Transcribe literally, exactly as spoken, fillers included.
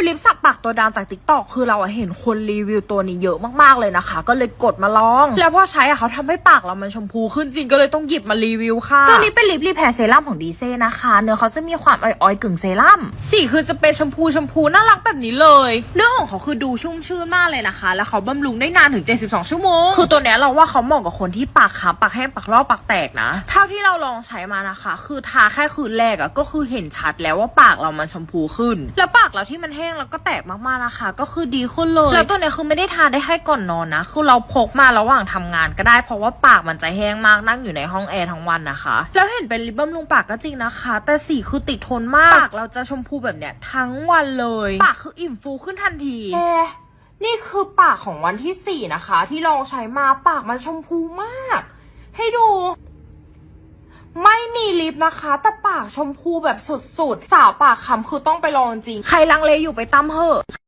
ลิปสักปากตัวดำจากติ๊กต็อกคือเราเห็นคนรีวิวตัวนี้เยอะมากๆเลยนะคะก็เลยกดมาลองแล้วพอใช้อะเขาทำให้ปากเรามันชมพูขึ้นจริงก็เลยต้องหยิบมารีวิวค่ะตัวนี้เป็นลิปรีแพร์เซรั่มของดีเซ่นะคะเนื้อเขาจะมีความอ่อยๆกึ่งเซรั่มสีคือจะเป็นชมพูชมพูน่ารักแบบนี้เลยเนื้อของเขาคือดูชุ่มชื่นมากเลยนะคะแล้วเขาบำรุงได้นานถึงเจ็ดสิบสองชั่วโมงคือตัวเนี้ยเราว่าเขาเหมาะกับคนที่ปากค้ำปากแห้งปากลอกปากแตกนะเท่าที่เราลองใช้มานะคะคือทาแค่คืนแรกอะก็คือเห็นชัดแล้วว่าปากเรามันชมพูขึ้นแล้วปากเราที่มันแห้งแล้วก็แตกมากๆนะคะก็คือดีขึ้นเลยแล้วตัวเนี้ยคือไม่ได้ทาได้แค่ก่อนนอนนะคือเราพกมาระหว่างทำงานก็ได้เพราะว่าปากมันจะแห้งมากนั่งอยู่ในห้องแอร์ทั้งวันนะคะแล้วเห็นเป็นลิปบำรุงปากก็จริงนะคะแต่สีคือติดทนมากปากเราจะชมพูแบบเนี้ยทั้งวันเลยปากคืออิ่มฟูขึ้นทันทีแค่นี่คือปากของวันที่สี่นะคะที่ลองใช้มาปากมันชมพูมากให้ดูไม่มีลิปนะคะแต่ปากชมพูแบบสุดๆสาวปากคำคือต้องไปลองจริงใครลังเลอยู่ไปตั้มเหอะ